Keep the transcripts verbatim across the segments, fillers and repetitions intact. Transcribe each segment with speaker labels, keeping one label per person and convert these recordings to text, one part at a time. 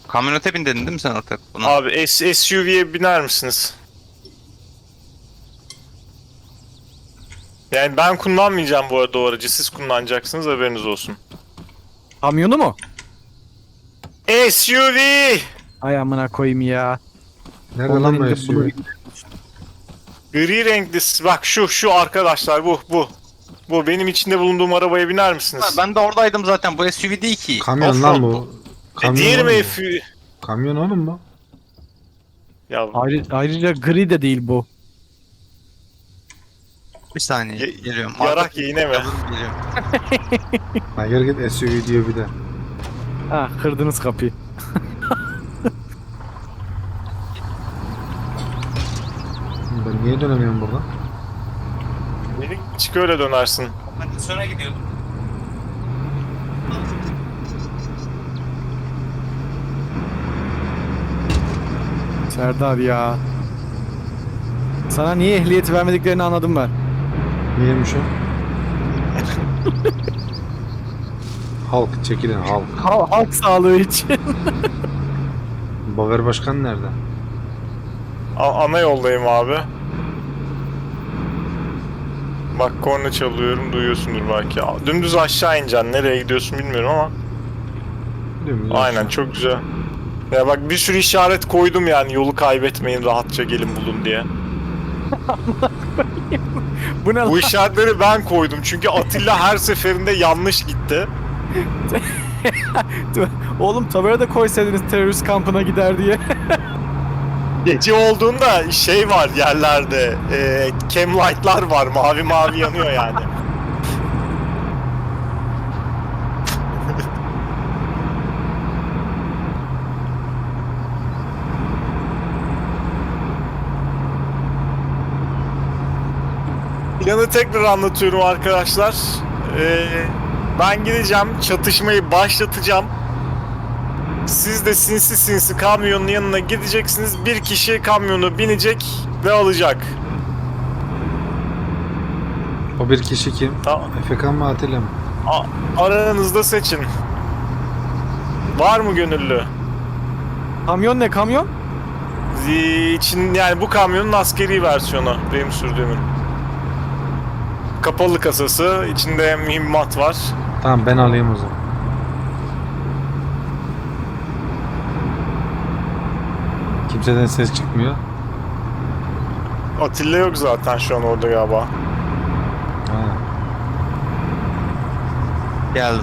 Speaker 1: Kamyonete bin dedin değil mi sen ortak? Buna?
Speaker 2: Abi S SUV'ye biner misiniz? Yani ben kullanmayacağım bu arada o aracı. Siz kullanacaksınız, haberiniz olsun.
Speaker 3: Kamyonu mu?
Speaker 2: S U V!
Speaker 3: Ay amına koyayım ya.
Speaker 4: Nerede
Speaker 3: Ondan
Speaker 4: lan bu
Speaker 3: indim,
Speaker 4: S U
Speaker 3: bunu
Speaker 4: V?
Speaker 3: indim.
Speaker 2: Gri renkli. Bak şu şu arkadaşlar, bu bu. Bu benim içinde bulunduğum arabaya biner misiniz?
Speaker 1: Ha, ben de oradaydım zaten. Bu S U V değil ki.
Speaker 4: Kamyon lan
Speaker 2: Offroad
Speaker 4: bu.
Speaker 2: E,
Speaker 4: Kamyon
Speaker 2: diğeri
Speaker 4: oğlum
Speaker 2: mi
Speaker 4: bu.
Speaker 2: F U V?
Speaker 4: Kamyon oğlum bu.
Speaker 2: Ya
Speaker 3: Ayrı, ayrıca gri de değil bu.
Speaker 1: Bir saniye
Speaker 2: Ye-
Speaker 1: geliyorum.
Speaker 2: yarak yine mi?
Speaker 1: Geliyorum.
Speaker 4: Ha gel git S U V diyor bir de.
Speaker 3: Ha kırdınız kapıyı.
Speaker 4: Ben niye dönemiyorum buradan?
Speaker 2: Beni çık öyle dönersin.
Speaker 1: Ben de sonra gidiyordum.
Speaker 3: Serdar ya. Sana niye ehliyeti vermediklerini anladım ben.
Speaker 4: Niyeymiş o? Halk çekilin halk.
Speaker 3: Hal- halk sağlığı için.
Speaker 4: Baver Başkan nerede?
Speaker 2: A- ana yoldayım abi. Bak korna çalıyorum, duyuyorsundur belki. A- Dümdüz aşağı ineceksin. Nereye gidiyorsun bilmiyorum ama.
Speaker 4: Dümdüz
Speaker 2: Aynen,
Speaker 4: aşağı.
Speaker 2: çok güzel. Ya bak bir sürü işaret koydum yani, yolu kaybetmeyin, rahatça gelin bulun diye.
Speaker 3: Bu ne lan?
Speaker 2: Bu işaretleri ben koydum çünkü Atilla her seferinde yanlış gitti.
Speaker 3: Oğlum tabela da koysaydınız terörist kampına gider diye.
Speaker 2: Gece olduğunda şey var yerlerde, e, cam light'lar var, mavi mavi yanıyor yani. Planı tekrar anlatıyorum arkadaşlar. Ee, ben gideceğim, çatışmayı başlatacağım. Siz de sinsi sinsi kamyonun yanına gideceksiniz. Bir kişi kamyonu binecek ve alacak.
Speaker 4: O bir kişi kim?
Speaker 2: Tamam.
Speaker 4: Efekan mı Atilla mı?
Speaker 2: A- aranızda seçin. Var mı gönüllü?
Speaker 3: Kamyon ne kamyon?
Speaker 2: Zi- için yani bu kamyonun askeri versiyonu benim sürdüğümün. Kapalı kasası, içinde mühimmat var.
Speaker 4: Tamam ben alayım o zaman. Kimseden ses çıkmıyor.
Speaker 2: Atilla yok zaten şu an orada galiba.
Speaker 4: Ha.
Speaker 1: Geldim.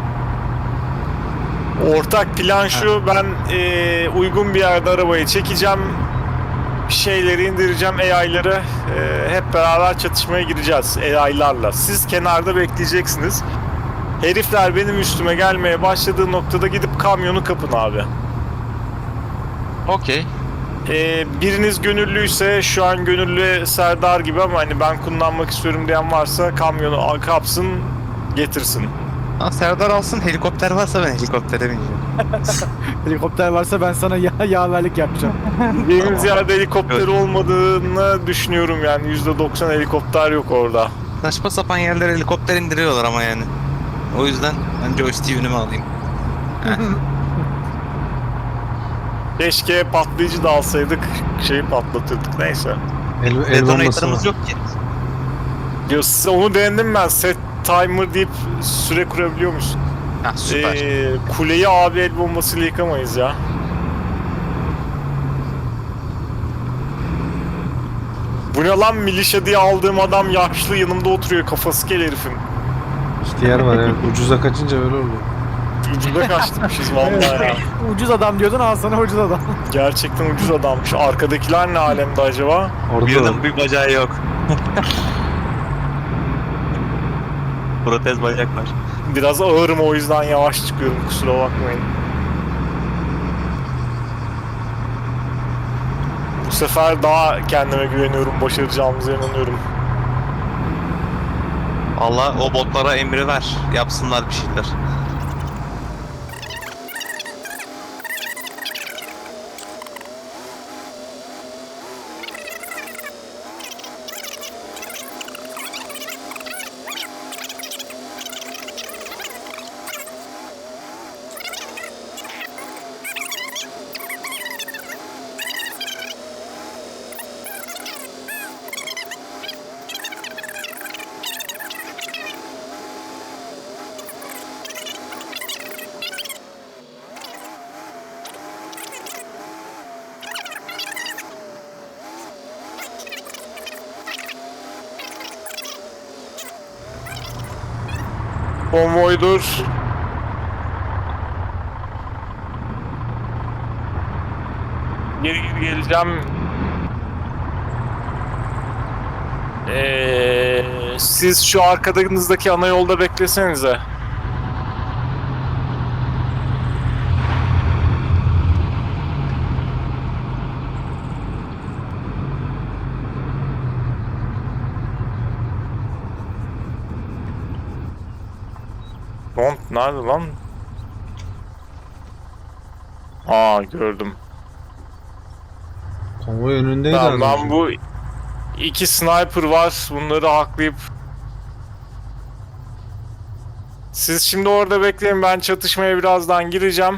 Speaker 2: Ortak plan şu, ben eee, uygun bir yerde arabayı çekeceğim. Şeyleri indireceğim, A I'ları. Eee, hep beraber çatışmaya gireceğiz A I'larla. Siz kenarda bekleyeceksiniz. Herifler benim üstüme gelmeye başladığı noktada gidip kamyonu kapın abi.
Speaker 1: Okey.
Speaker 2: Ee, biriniz gönüllüyse, şu an gönüllü Serdar gibi ama hani ben kullanmak istiyorum diyen varsa kamyonu al- kapsın, getirsin.
Speaker 1: Ha, Serdar alsın, helikopter varsa ben helikoptere bineceğim.
Speaker 3: Helikopter varsa ben sana ya yaverlik yapacağım.
Speaker 2: Benim ziyade helikopter olmadığını düşünüyorum yani, yüzde doksan helikopter yok orada.
Speaker 1: Saçma sapan yerlere helikopter indiriyorlar ama yani. O yüzden ben joystick'i önüme alayım.
Speaker 2: Keşke patlayıcı da alsaydık, şeyi patlatırdık, neyse.
Speaker 4: El, el bombası
Speaker 1: Detonator'ımız
Speaker 4: var.
Speaker 1: yok ki.
Speaker 2: Ya, size onu denedim ben, set timer deyip süre kurabiliyor musun?
Speaker 1: Ha süper.
Speaker 2: Ee, kuleyi abi el bombasıyla yıkamayız ya. Bu ne lan, milişe diye aldığım adam yaşlı yanımda oturuyor, kafası kel herifin.
Speaker 4: İhtiyar var evet. Ucuza kaçınca öyle oluyor.
Speaker 2: Ucuza kaçtırmışız vallahi ya.
Speaker 3: Ucuz adam diyordun al sana ucuz adam.
Speaker 2: Gerçekten ucuz adammış. Arkadakiler ne alemde acaba?
Speaker 4: Orada
Speaker 1: Birinin bir bacağı yok. Protez bacak var.
Speaker 2: Biraz ağırım, o yüzden yavaş çıkıyorum, kusura bakmayın. Bu sefer daha kendime güveniyorum, başaracağımıza inanıyorum.
Speaker 1: Allah o botlara emri ver. Yapsınlar bir şeyler.
Speaker 2: Konvoydur. Geri geri geleceğim. Ee, siz şu arkadanızdaki ana yolda beklesenize. Lan nerede lan? Aa gördüm.
Speaker 4: Konvoy önündeydi
Speaker 2: Tamam,
Speaker 4: az önce.
Speaker 2: ben bu iki sniper var. Bunları haklayıp siz şimdi orada bekleyin. Ben çatışmaya birazdan gireceğim.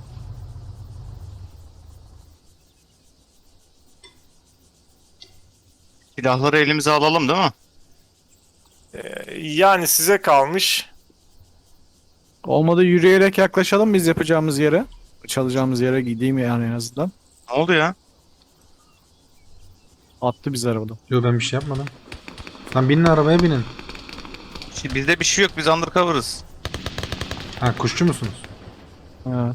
Speaker 1: Silahları elimize alalım değil mi?
Speaker 2: Ee, yani size kalmış.
Speaker 3: Olmadı yürüyerek yaklaşalım biz yapacağımız yere. Çalacağımız yere gideyim yani en azından.
Speaker 1: Ne oldu ya?
Speaker 3: Attı bizi arabadan.
Speaker 4: Yo ben bir şey yapmadım. Lan binin arabaya binin.
Speaker 1: Şimdi bizde bir şey yok. Biz undercover'ız.
Speaker 4: Ha kuşçu musunuz?
Speaker 3: Evet.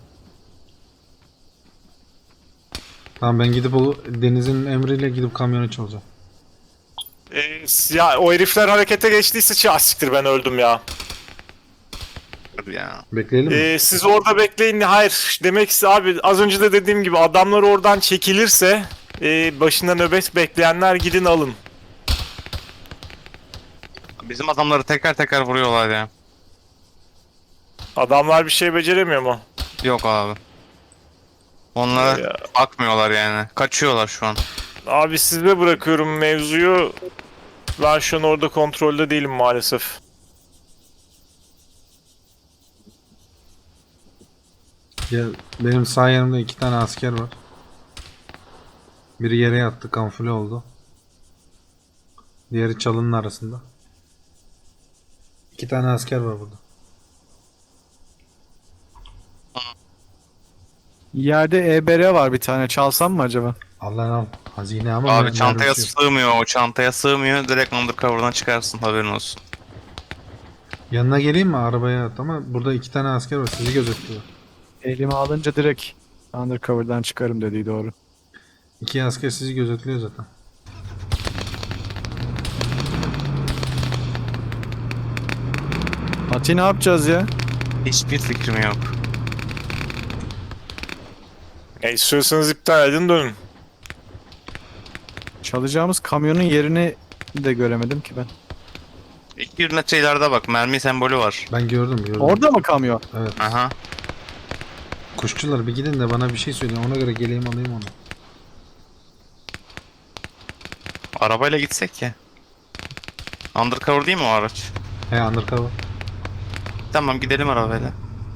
Speaker 4: Tamam ben gidip o Deniz'in emriyle gidip kamyonu çalacağım.
Speaker 2: Ee, ya o herifler harekete geçtiyse çağ siktir, ben öldüm ya.
Speaker 1: Hadi ya.
Speaker 4: Bekleyelim mi?
Speaker 2: Ee, siz orada bekleyin. Hayır, demek ki abi az önce de dediğim gibi adamlar oradan çekilirse e, başında nöbet bekleyenler gidin alın.
Speaker 1: Bizim adamları teker teker vuruyorlar ya.
Speaker 2: Adamlar bir şey beceremiyor mu?
Speaker 1: Yok abi. Onlara
Speaker 2: Ya.
Speaker 1: bakmıyorlar yani. Kaçıyorlar şu an.
Speaker 2: Abi size bırakıyorum mevzuyu. Ben şu an orada kontrolde değilim maalesef.
Speaker 4: Ya, benim sağ yanımda iki tane asker var. Biri yere yattı, kamufle oldu. Diğeri çalının arasında. İki tane asker var burada.
Speaker 3: Yerde E B R var bir tane. Çalsam mı acaba?
Speaker 4: Allah'ın al. Hazine ama
Speaker 1: Abi
Speaker 4: mer-
Speaker 1: çantaya
Speaker 4: mermisi yok.
Speaker 1: sığmıyor. O çantaya sığmıyor. Direkt undercover'dan çıkarsın. Haberin olsun.
Speaker 4: Yanına geleyim mi arabaya at ama burada iki tane asker var, sizi gözetliyor.
Speaker 3: Elimi alınca direkt undercover'dan çıkarım dediği doğru.
Speaker 4: İki asker sizi gözetliyor zaten.
Speaker 3: Ati ne yapacağız ya?
Speaker 1: Hiçbir fikrim yok.
Speaker 2: E, istiyorsanız iptal edin, dönün.
Speaker 3: Çalacağımız kamyonun yerini de göremedim ki ben.
Speaker 1: İki metre ileride bak. Mermi sembolü var.
Speaker 4: Ben gördüm gördüm.
Speaker 3: Orada mı kamyon?
Speaker 4: Evet.
Speaker 1: Aha.
Speaker 4: Kuşçular bir gidin de bana bir şey söyleyin, ona göre geleyim alayım onu.
Speaker 1: Arabayla gitsek ya. Undercover değil mi o araç?
Speaker 4: He undercover.
Speaker 1: Tamam gidelim arabayla.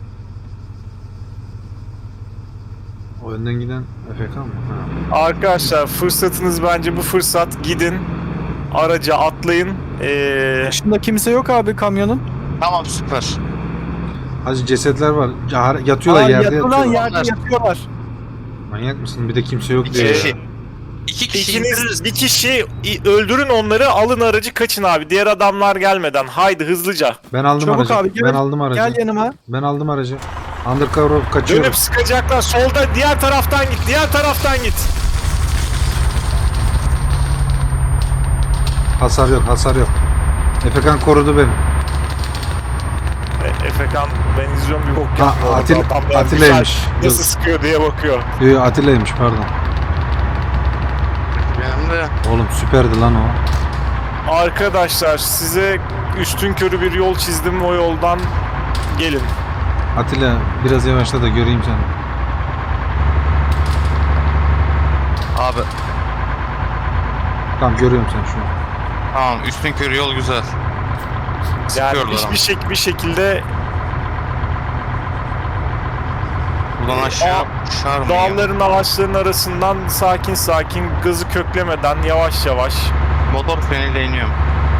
Speaker 4: O önden giden F K mı? Ha.
Speaker 2: Arkadaşlar fırsatınız bence bu fırsat. Gidin. Araca atlayın. Ee,
Speaker 3: Dışında kimse yok abi kamyonun.
Speaker 1: Tamam süper.
Speaker 4: Hacı cesetler var. Ya- Yatıyorlar
Speaker 3: Aa,
Speaker 4: yerde
Speaker 3: yatıyorlar,
Speaker 4: yatıyorlar.
Speaker 3: yerde yatıyorlar.
Speaker 4: Manyak mısın? Bir de kimse yok
Speaker 1: İki
Speaker 4: diye.
Speaker 1: kişi.
Speaker 4: ya.
Speaker 1: İki kişi
Speaker 2: ikiniz
Speaker 1: indiririz.
Speaker 2: bir kişi i- öldürün onları, alın aracı, kaçın abi. Diğer adamlar gelmeden. Haydi hızlıca.
Speaker 4: Ben aldım
Speaker 3: Çabuk
Speaker 4: aracı.
Speaker 3: abi, gel-
Speaker 4: ben aldım aracı.
Speaker 3: Gel yanıma.
Speaker 4: Ben aldım aracı. Undercover kaçıyorum.
Speaker 2: Dönüp sıkacaklar. Solda, diğer taraftan git. Diğer taraftan git.
Speaker 4: Hasar yok, hasar yok. Efekan korudu beni.
Speaker 2: E, Efekan, ben izliyorum, bir bok
Speaker 4: Ha,
Speaker 2: yapma orada.
Speaker 4: Atil-
Speaker 2: Adamlar
Speaker 4: Atilla'ymış.
Speaker 2: güzel nasıl sıkıyor diye bakıyor.
Speaker 4: Yo, yo, Atilla'ymış pardon.
Speaker 1: Benim de
Speaker 4: Oğlum süperdi lan o.
Speaker 2: Arkadaşlar size üstün körü bir yol çizdim, o yoldan gelin.
Speaker 4: Atilla biraz yavaşla da göreyim seni.
Speaker 1: abi
Speaker 4: Tamam görüyorum seni şu an.
Speaker 1: tamam üstün körü yol güzel.
Speaker 2: Yani
Speaker 1: Sıkıyorlar
Speaker 2: bir,
Speaker 1: ama.
Speaker 2: bir, şek bir şekilde
Speaker 1: Buradan aşağı uçar mı ya?
Speaker 2: dağların, ağaçların arasından sakin sakin, gazı köklemeden yavaş yavaş.
Speaker 1: Motor freniyle iniyorum.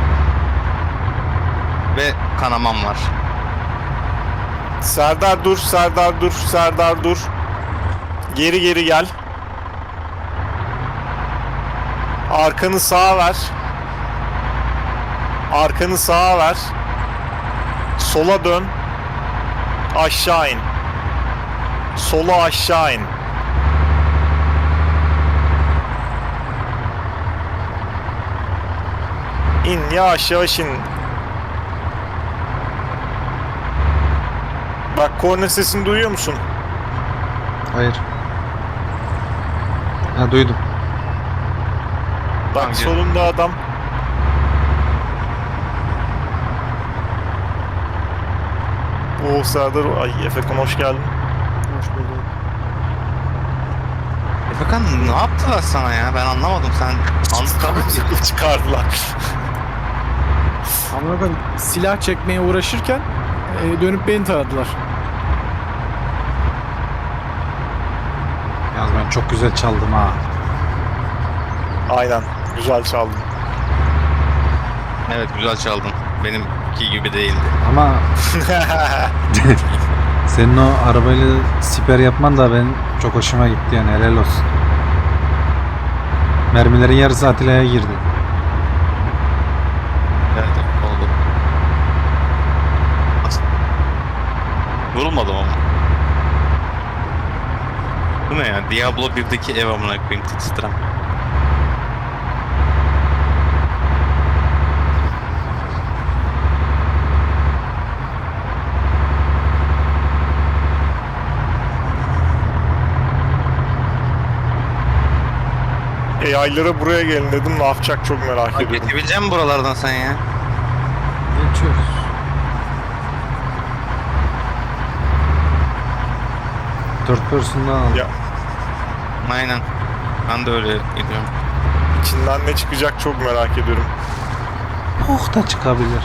Speaker 1: Ve kanamam var.
Speaker 2: Serdar dur, Serdar dur, Serdar dur. Geri geri gel. Arkanı sağa ver. Arkanı sağa ver. Sola dön. Aşağı in. Sola aşağı in. İn, yavaş yavaş in. Bak, korna sesini duyuyor musun?
Speaker 4: Hayır. Ha duydum.
Speaker 2: Bak,
Speaker 1: Hangi?
Speaker 2: solunda adam. Oo Serdar, ay Efekan hoş geldin.
Speaker 3: Hoş bulduk.
Speaker 1: Efekan ne yaptılar sana ya? Ben anlamadım. Sen anladın
Speaker 2: Çıkardılar.
Speaker 3: Ama ben silah çekmeye uğraşırken e, dönüp beni taradılar.
Speaker 4: Yalnız ben çok güzel çaldım ha.
Speaker 2: Aynen, güzel çaldın.
Speaker 1: Evet, güzel çaldın. Benimki gibi değildi.
Speaker 4: Ama senin o arabayla siper yapman da benim çok hoşuma gitti yani, helal olsun. Mermilerin yarısı Atilla'ya girdi.
Speaker 1: Evet, oldu. Vurulmadım ama. Bu ne ya? Diablo birdeki ev amına koyayım titram.
Speaker 2: A I'lara buraya gelin dedim, ne yapacak çok merak ediyorum.
Speaker 1: Geçebilecek misin buralardan sen ya?
Speaker 4: Geçiyoruz. Dört person'dan aldım.
Speaker 2: Ya.
Speaker 1: Aynen. Ben de öyle gidiyorum.
Speaker 2: İçinden ne çıkacak çok merak ediyorum.
Speaker 4: Oh da çıkabilir.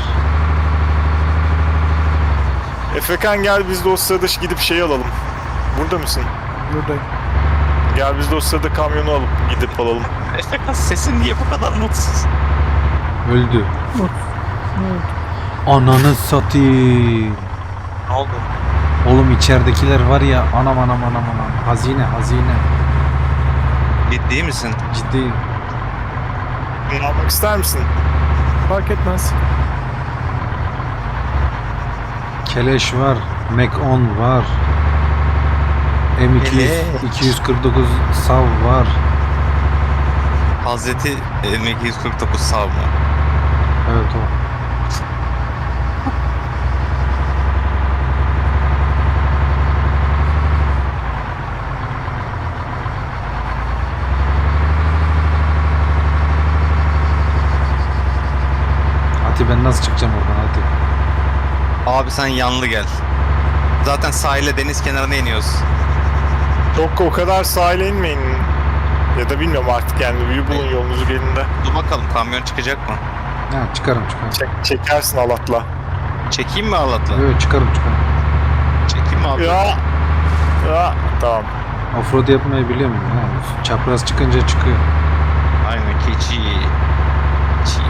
Speaker 2: Efekan gel, biz de o sırada gidip şey alalım. Burada mısın?
Speaker 3: Buradayım.
Speaker 2: Gel biz de o sırada kamyonu alıp gidip alalım.
Speaker 1: Efekan sesin niye bu kadar mutsuz?
Speaker 4: Öldü.
Speaker 3: Ne oldu?
Speaker 4: Ananı satayım.
Speaker 1: Ne oldu?
Speaker 4: Oğlum içeridekiler var ya, anam anam anam anam. Hazine hazine.
Speaker 1: Ciddi misin?
Speaker 4: Ciddi.
Speaker 2: Bunu almak ister misin?
Speaker 3: Fark etmez.
Speaker 4: Keleş var. Mac on var. M iki yüz,
Speaker 1: Keleş.
Speaker 4: iki yüz kırk dokuz sav var.
Speaker 1: Hazreti M iki yüz kırk dokuz sav mı?
Speaker 4: Evet o. Ati ben nasıl çıkacağım oradan Ati?
Speaker 1: Abi sen yanlı gel. Zaten sahile deniz kenarına iniyoruz.
Speaker 2: Çok o kadar sahile inmeyin. Ya da bilmiyorum artık, yani büyü bulun yolunuzu gelin de.
Speaker 1: Dur bakalım kamyon çıkacak mı?
Speaker 4: Ha çıkarım çıkarım.
Speaker 2: Çek, çekersin Alat'la.
Speaker 1: Çekeyim mi Alat'la?
Speaker 4: Evet çıkarım çıkarım.
Speaker 1: Çekeyim mi abi?
Speaker 2: Ya. Ya. Tamam.
Speaker 4: Offroad yapmayı biliyor muyum? Ha, çapraz çıkınca çıkıyor.
Speaker 1: Aynen keçi. Keçi.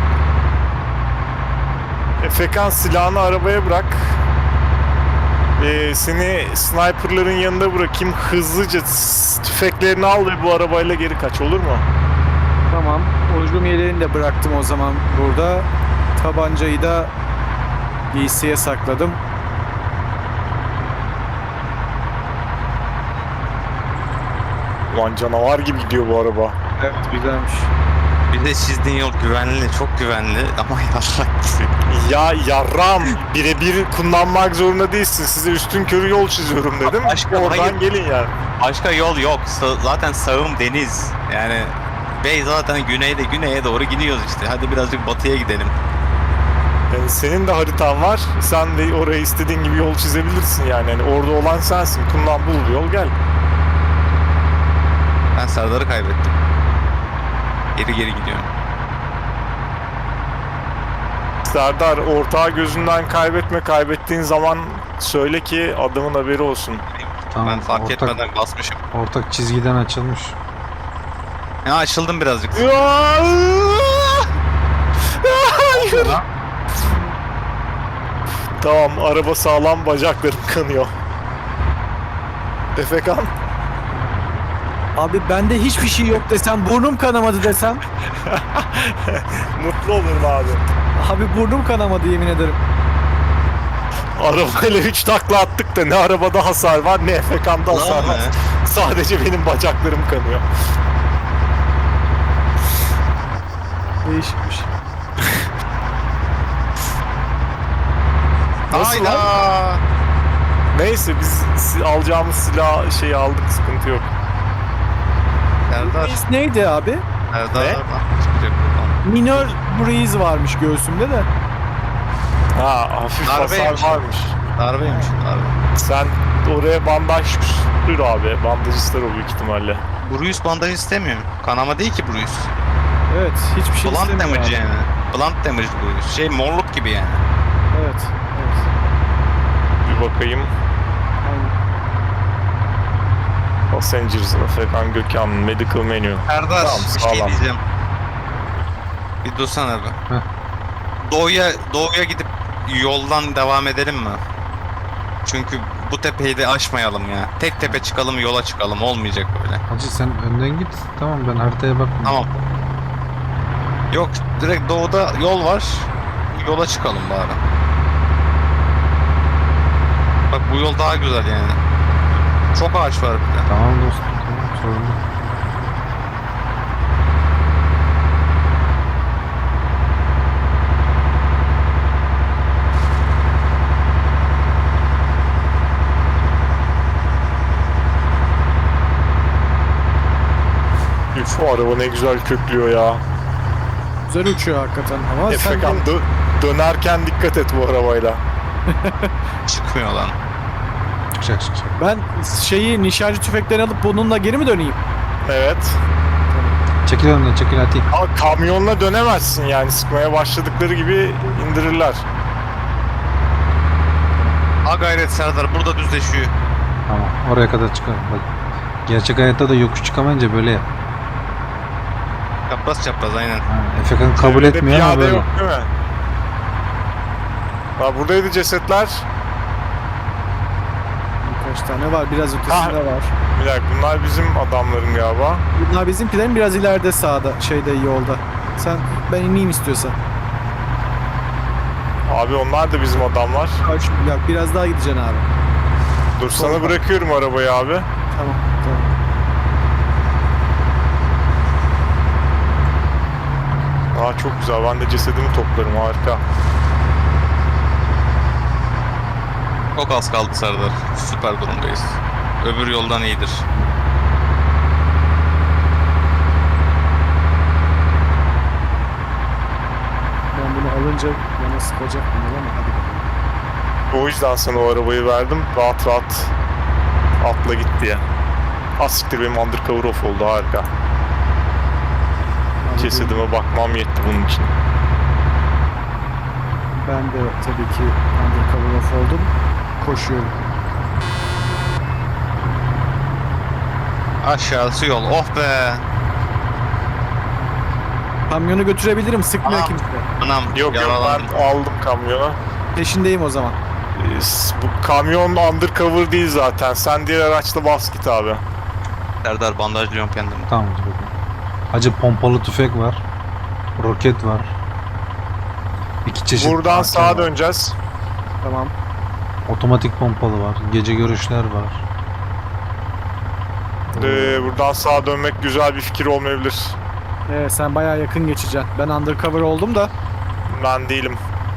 Speaker 2: Efekan silahını arabaya bırak. Ee, seni sniperların yanında bırakayım. Hızlıca s- tüfeklerini al ve bu arabayla geri kaç, olur mu?
Speaker 3: Tamam. Uygun yeleğini de bıraktım o zaman burada. Tabancayı da giysiye sakladım.
Speaker 2: Ulan canavar gibi gidiyor bu araba.
Speaker 3: Evet, güzelmiş.
Speaker 1: Bir de çizdiğin yol güvenli, çok güvenli ama yarrak gibi.
Speaker 2: Ya yarram, birebir kullanmak zorunda değilsin. Size üstün körü yol çiziyorum dedim.
Speaker 1: Başka-
Speaker 2: Oradan
Speaker 1: hayır.
Speaker 2: gelin yani.
Speaker 1: Başka yol yok. Sa- zaten sağım deniz. Yani Bey zaten güneyde güneye doğru gidiyoruz işte. Hadi birazcık batıya gidelim.
Speaker 2: Yani senin de haritan var. Sen de oraya istediğin gibi yol çizebilirsin yani. Yani orada olan sensin. Kullan, bul yol, gel.
Speaker 1: Ben Serdar'ı kaybettim. Geri geri gidiyorum.
Speaker 2: Serdar, ortağı gözünden kaybetme. Kaybettiğin zaman söyle ki adamın haberi olsun.
Speaker 4: Tamam,
Speaker 1: ben fark
Speaker 4: ortak,
Speaker 1: etmeden basmışım.
Speaker 4: ortak çizgiden açılmış.
Speaker 1: Ya açıldım birazcık.
Speaker 2: Hayır. Tamam, araba sağlam, bacaklarım kanıyor. Efekan.
Speaker 3: Abi bende hiçbir şey yok desem, burnum kanamadı desem.
Speaker 2: Mutlu olurum abi.
Speaker 3: Abi burnum kanamadı yemin ederim.
Speaker 2: Arabayla üç takla attık da ne arabada hasar var ne Efekan'da hasar
Speaker 1: Lan
Speaker 2: var.
Speaker 1: be.
Speaker 2: Sadece benim bacaklarım kanıyor.
Speaker 3: Değişikmiş.
Speaker 2: Nasıl
Speaker 1: Hayda.
Speaker 2: Neyse biz si- alacağımız silah şeyi aldık, sıkıntı yok.
Speaker 1: Serdar.
Speaker 3: Breeze neydi abi?
Speaker 1: Serdar.
Speaker 2: Ne?
Speaker 1: Bak, çıkacak buradan.
Speaker 3: Minor breeze varmış göğsümde de.
Speaker 2: Ha, hafif
Speaker 1: Darbeymiş.
Speaker 2: hasar varmış.
Speaker 1: Darbeymiş darbe.
Speaker 2: Sen oraya bandaj sür abi. Bandaj ister o büyük ihtimalle.
Speaker 1: Bruce bandaj istemiyor. Kanama değil ki Bruce.
Speaker 3: Evet, hiçbir şey
Speaker 1: Blunt
Speaker 3: istemiyor
Speaker 1: damage
Speaker 3: abi.
Speaker 1: yani. Blunt damage Bruce. Şey morluk gibi yani.
Speaker 3: Evet, evet.
Speaker 2: Bir bakayım.
Speaker 3: Aynen.
Speaker 2: Passengers, Efekan Gökhan, Medical Menu.
Speaker 1: Serdar
Speaker 2: Tamam,
Speaker 1: bir şey
Speaker 2: sağlam.
Speaker 1: diyeceğim. Bir dursana be.
Speaker 4: Heh.
Speaker 1: Doğuya, doğuya gidip yoldan devam edelim mi? Çünkü bu tepeyi de aşmayalım ya. Tek tepe çıkalım, yola çıkalım. Olmayacak böyle.
Speaker 4: Hacı sen önden git. Tamam ben haritaya bakmıyorum.
Speaker 1: Tamam. Yok, direkt doğuda yol var. Yola çıkalım bari. Bak bu yol daha güzel yani. Çok ağaç var bir de.
Speaker 4: Tamam dostum tamam sorun yok.
Speaker 2: Üf, o araba ne güzel köklüyor ya.
Speaker 3: Güzel uçuyor hakikaten ama sen
Speaker 2: Efekan
Speaker 3: de
Speaker 2: dö- dönerken dikkat et bu arabayla.
Speaker 1: Çıkmıyor lan.
Speaker 4: Çıkacak çıkacak.
Speaker 3: ben şeyi nişancı tüfekten alıp bununla geri mi döneyim?
Speaker 2: Evet.
Speaker 4: Çekil önden çekil atayım.
Speaker 2: Ama kamyonla dönemezsin yani, sıkmaya başladıkları gibi indirirler.
Speaker 1: Ha gayret Serdar, burada düzleşiyor.
Speaker 4: Tamam oraya kadar çıkalım. Bak. Gerçek hayatta da yokuş çıkamayınca böyle yap.
Speaker 1: Çapraz çapraz aynen.
Speaker 4: Ha, Efekan kabul
Speaker 2: Çevrede
Speaker 4: etmiyor ama
Speaker 2: piyade
Speaker 4: böyle.
Speaker 2: yok değil mi? Ha, buradaydı cesetler.
Speaker 3: Birkaç tane var, biraz ötesinde var.
Speaker 2: Bir dakika, bunlar bizim adamların galiba.
Speaker 3: Bunlar bizimkilerin biraz ileride sağda, şeyde yolda. Sen, ben ineyim istiyorsan.
Speaker 2: Abi onlar da bizim adamlar.
Speaker 3: Kaç, ya biraz daha gideceksin abi.
Speaker 2: Dur sana
Speaker 3: Solda.
Speaker 2: bırakıyorum arabayı abi.
Speaker 3: Tamam, tamam.
Speaker 2: Aa çok güzel, ben de cesedimi toplarım, harika.
Speaker 1: Çok az kaldı Serdar. Süper durumdayız. Öbür yoldan iyidir.
Speaker 3: Ben bunu alınca bana sıkacak mı ama hadi bakalım.
Speaker 2: O yüzden sana o arabayı verdim. Rahat rahat atla git diye. Asiktir, benim undercover off oldu, harika.
Speaker 3: Hadi
Speaker 2: Cesedime bakmam yetti bunun için.
Speaker 3: Ben de tabii ki undercover off oldum. Koşuyorum.
Speaker 1: Aşağısı yol. Oh be.
Speaker 3: Kamyonu götürebilirim, sıkmıyor
Speaker 1: Anam.
Speaker 3: kimse.
Speaker 1: Anam
Speaker 2: Yok yok,
Speaker 1: yaralandım.
Speaker 2: ben aldım kamyonu.
Speaker 3: Peşindeyim o zaman.
Speaker 2: Ee, s- Bu kamyon undercover değil zaten. Sen diğer araçla bas git abi.
Speaker 1: Serdar bandajlıyorum kendimi.
Speaker 4: Tamam hadi bakalım. Hacı pompalı tüfek var. Roket var. İki çeşit.
Speaker 2: Buradan
Speaker 4: A K
Speaker 2: sağa
Speaker 4: var.
Speaker 2: döneceğiz.
Speaker 3: Tamam.
Speaker 4: Otomatik pompalı var. Gece görüşler var.
Speaker 2: Ee, buradan sağa dönmek güzel bir fikir olmayabilir.
Speaker 3: Ee, sen bayağı yakın geçeceksin. Ben undercover oldum da.
Speaker 2: Ben değilim.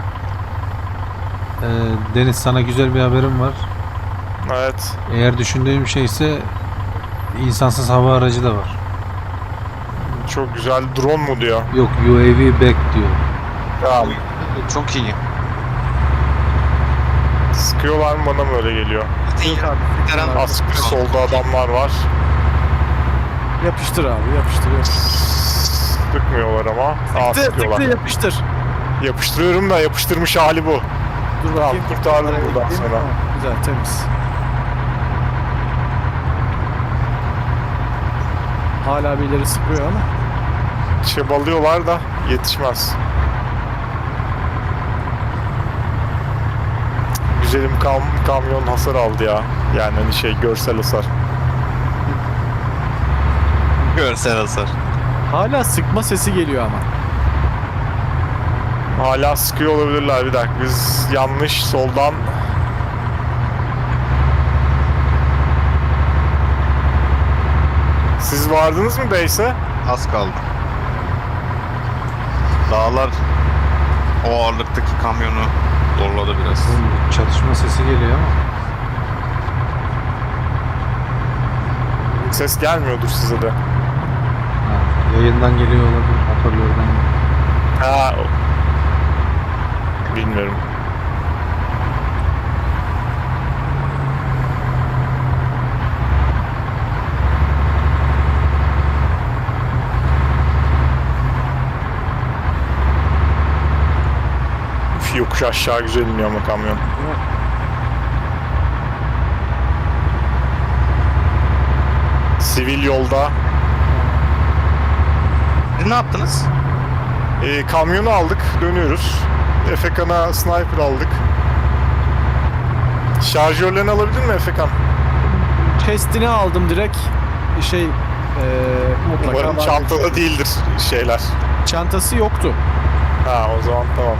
Speaker 4: Ee, Deniz sana güzel bir haberim var.
Speaker 2: Evet.
Speaker 4: Eğer düşündüğüm şeyse insansız hava aracı da var.
Speaker 2: Çok güzel. Drone mu diyor?
Speaker 4: Yok U A V back diyor.
Speaker 2: Tamam.
Speaker 1: Çok iyi.
Speaker 2: Sıkıyorlar mı, bana mı öyle geliyor?
Speaker 3: Yok abi.
Speaker 1: Eren
Speaker 2: Askır solda adamlar var.
Speaker 3: Yapıştır abi, yapıştır. yapıştır.
Speaker 2: Sıkmıyorlar ama. Aa,
Speaker 3: Tıktı,
Speaker 2: sıkıyorlar.
Speaker 3: tıktı, yapıştır.
Speaker 2: Yapıştırıyorum da yapıştırmış hali bu.
Speaker 3: Dur
Speaker 2: Tamam,
Speaker 3: bakayım.
Speaker 2: kurtardım
Speaker 3: Araya
Speaker 2: buradan
Speaker 3: gideyim.
Speaker 2: sonra.
Speaker 3: Tamam, güzel, temiz. Hala birileri sıkıyor ama.
Speaker 2: Çabalıyorlar da yetişmez. Güzelim kam kamyon hasar aldı ya. Yani hani şey, görsel hasar.
Speaker 1: görsel hasar.
Speaker 3: Hala sıkma sesi geliyor ama.
Speaker 2: Hala sıkıyor olabilirler, bir dakika. Biz yanlış soldan Siz vardınız mı base'e?
Speaker 1: Az kaldı. Dağlar o ağırlıktaki kamyonu zorladı biraz.
Speaker 4: Oğlum, çatışma sesi geliyor ama.
Speaker 2: Ses gelmiyordur size de.
Speaker 4: Ha, yayından geliyor olabilir. Hoparlörden geliyor.
Speaker 2: Ha. o- Bilmiyorum. Üf, yokuş aşağı güzel iniyor ama kamyon. Sivil yolda.
Speaker 1: Siz ne yaptınız?
Speaker 2: E, kamyonu aldık, dönüyoruz. Efekan'a sniper aldık. Şarjörlerini alabilir mi Efekan?
Speaker 3: Chest'ini aldım direkt. Şey eee mutlaka
Speaker 2: Umarım
Speaker 3: vardır.
Speaker 2: çantada değildir şeyler.
Speaker 3: Çantası yoktu.
Speaker 2: Ha, o zaman tamam.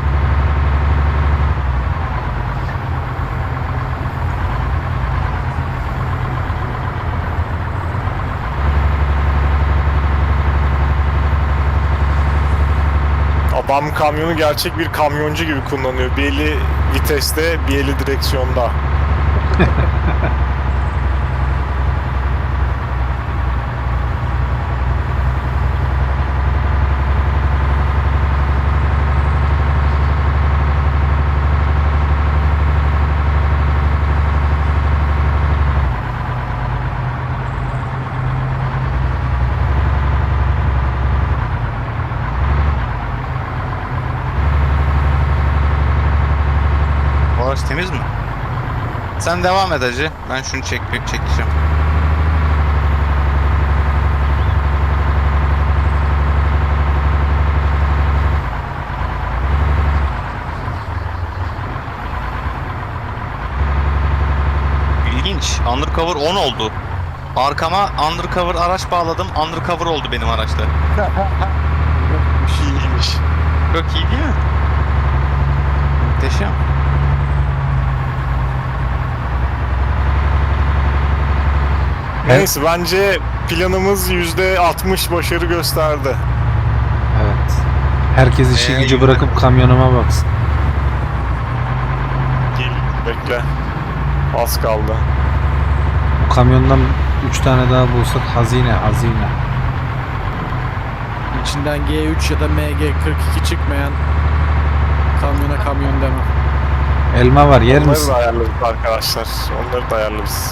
Speaker 2: Adam kamyonu gerçek bir kamyoncu gibi kullanıyor. Bir eli viteste, bir eli direksiyonda.
Speaker 1: Bu araç temiz mi? Sen devam et hacı. Ben şunu çek çekeceğim. İlginç. Undercover on oldu. Arkama undercover araç bağladım. Undercover oldu benim araçta.
Speaker 2: İyiymiş.
Speaker 1: Çok iyi değil mi? Muhteşem.
Speaker 2: Neyse, bence planımız yüzde altmış başarı gösterdi.
Speaker 4: Evet. Herkes işi
Speaker 1: Ee,
Speaker 4: gücü bırakıp kamyonuma baksın.
Speaker 2: Gel, bekle. Az kaldı.
Speaker 4: Bu kamyondan üç tane daha bulsak hazine hazine.
Speaker 3: İçinden G üç ya da M G kırk iki çıkmayan kamyona kamyon demem.
Speaker 4: Elma var yer
Speaker 2: Onları
Speaker 4: misin?
Speaker 2: da ayarlarız arkadaşlar. Onları da ayarlarız.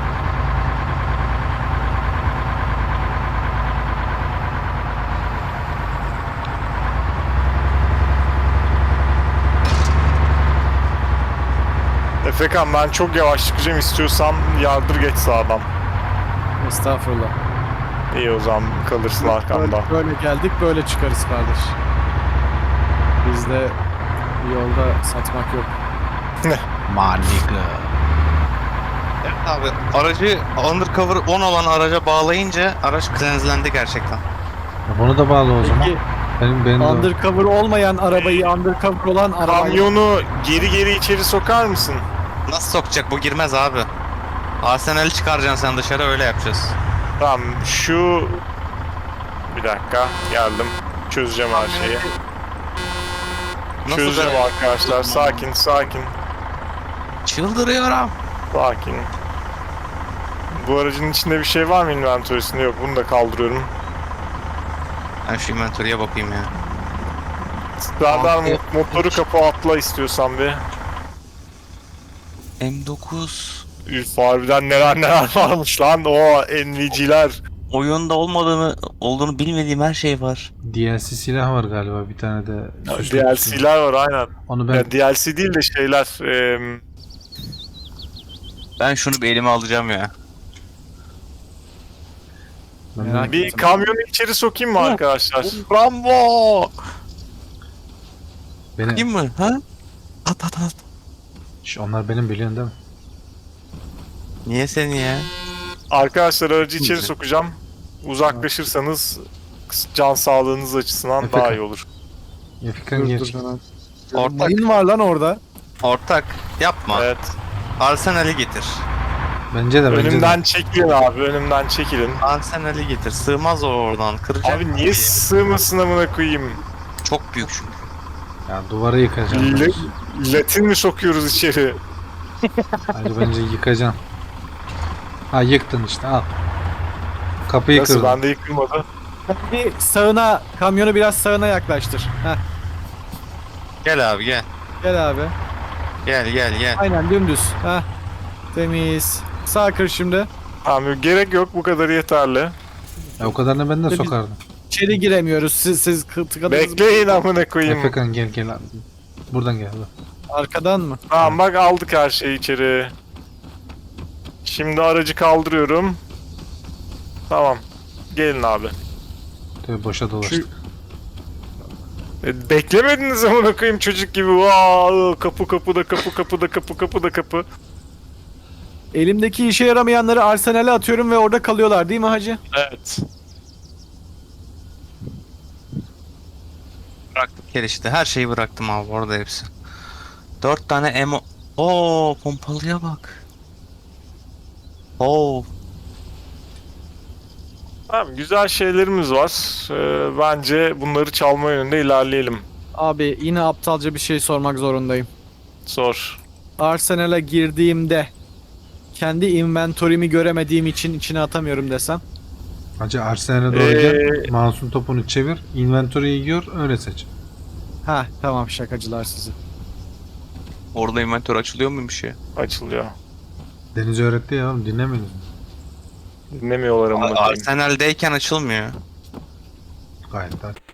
Speaker 2: Efekan, ben çok yavaş çıkacağım, istiyorsan yardır geç sağdan.
Speaker 3: Estağfurullah.
Speaker 2: İyi, o zaman kalırsın arkamda.
Speaker 3: Böyle, böyle geldik böyle çıkarız kardeş. Bizde yolda satmak yok.
Speaker 4: Manika.
Speaker 1: Evet abi, aracı undercover on olan araca bağlayınca araç cleanselendi gerçekten.
Speaker 4: Bunu da bağla o zaman.
Speaker 3: Peki
Speaker 4: Benim benim de
Speaker 3: undercover olmayan arabayı undercover olan arabayı
Speaker 2: Kamyonu geri geri içeri sokar mısın?
Speaker 1: Nasıl sokacak, bu girmez abi. Arsenal'i çıkaracaksın sen dışarı, öyle yapacağız.
Speaker 2: Tamam, şu... Bir dakika, geldim. Çözeceğim her şeyi.
Speaker 1: Nasıl
Speaker 2: Çözeceğim
Speaker 1: be?
Speaker 2: arkadaşlar, sakin sakin.
Speaker 1: Çıldırıyorum.
Speaker 2: Sakin. Bu aracın içinde bir şey var mı inventörüsünde? Yok, bunu da kaldırıyorum.
Speaker 1: Ben şu inventory'e bakayım ya.
Speaker 2: Serdar, mo- motoru kapı atla istiyorsan bir.
Speaker 1: M dokuz.
Speaker 2: Üf, harbiden neler neler varmış lan, o N V C'ler.
Speaker 1: Oyunda olmadığını, olduğunu bilmediğim her şey var.
Speaker 4: D L C silah var galiba bir tane de. süslü
Speaker 2: D L
Speaker 4: süslü.
Speaker 2: C'ler var aynen.
Speaker 4: Onu ben
Speaker 2: Ya, D L C değil de şeyler. em,
Speaker 1: Ben şunu bir elime alacağım ya.
Speaker 4: ben
Speaker 3: Merak
Speaker 4: de-
Speaker 2: bir kamyonu içeri sokayım mı arkadaşlar?
Speaker 1: Rambo!
Speaker 4: beni,
Speaker 1: Değil mi? Ha? At at at.
Speaker 4: Şş, onlar benim biliyorsun değil mi?
Speaker 1: Niye seni ya?
Speaker 2: Arkadaşlar, aracı içeri
Speaker 1: Güzel.
Speaker 2: sokacağım. Uzaklaşırsanız can sağlığınız açısından
Speaker 4: Efekan.
Speaker 2: daha iyi olur.
Speaker 4: Efekan
Speaker 3: Dur,
Speaker 4: geç.
Speaker 3: dur, hemen.
Speaker 1: Ortak.
Speaker 3: Mayın var lan orada.
Speaker 1: Ortak yapma.
Speaker 2: Evet.
Speaker 1: Arsenal'i getir.
Speaker 4: Bence de bence
Speaker 2: Önümden
Speaker 4: de.
Speaker 2: çekilin abi, önümden çekilin.
Speaker 1: Arsenal'i getir. Sığmaz o oradan. Kıracak.
Speaker 2: Abi niye sığmasın amına koyayım?
Speaker 1: Çok büyük çünkü.
Speaker 4: Ya duvarı yıkacağım.
Speaker 2: Le- Latin mi sokuyoruz içeri?
Speaker 4: Hacı bence yıkacaksın. Ha yıktın işte al. Kapıyı
Speaker 2: Nasıl,
Speaker 4: kırdın.
Speaker 2: bende yıkılmadı?
Speaker 3: Bir sağına, kamyonu biraz sağına yaklaştır. Heh,
Speaker 1: Gel abi gel.
Speaker 3: gel abi.
Speaker 1: Gel gel gel.
Speaker 3: Aynen dümdüz. Heh. Temiz. Sağ kır şimdi.
Speaker 2: Abi gerek yok, bu kadar yeterli.
Speaker 4: Ya o kadarını ben de
Speaker 3: Biz-
Speaker 4: sokardım.
Speaker 3: İçeri giremiyoruz. Siz siz kı- tıkadınız.
Speaker 2: Bekleyin amına koyayım.
Speaker 4: Efekan gel gel. Buradan gel.
Speaker 3: Arkadan mı?
Speaker 2: Tamam bak, aldık her şeyi içeri. Şimdi aracı kaldırıyorum. Tamam. Gelin abi.
Speaker 4: Tabii boşa dolaştık.
Speaker 2: E, beklemediniz amına koyayım çocuk gibi. Vaa, kapı kapıda kapı kapıda kapı kapıda kapı.
Speaker 3: Elimdeki işe yaramayanları arsenale atıyorum ve orada kalıyorlar değil mi hacı?
Speaker 2: Evet.
Speaker 1: Bıraktık gel işte. Her şeyi bıraktım abi orada hepsi. Dört tane emo... Oo pompalıya bak. Oo.
Speaker 2: Tamam, güzel şeylerimiz var. Ee, bence bunları çalma yönünde ilerleyelim.
Speaker 3: Abi yine aptalca bir şey sormak zorundayım.
Speaker 2: Sor.
Speaker 3: Arsenal'a girdiğimde kendi inventory'mi göremediğim için içine atamıyorum desem.
Speaker 4: Hacı Arsenal'e doğru
Speaker 2: Ee,
Speaker 4: gel. Mouse'un topunu çevir. Inventory'yi gör öyle seç.
Speaker 3: Ha tamam, şakacılar sizi.
Speaker 1: Orada inventör açılıyor muymuş ya?
Speaker 2: Açılıyor.
Speaker 4: Deniz öğretti ya oğlum dinlemediniz mi?
Speaker 2: Dinlemiyorlar amına koyayım.
Speaker 1: Arsenal'deyken açılmıyor.
Speaker 4: Gayet de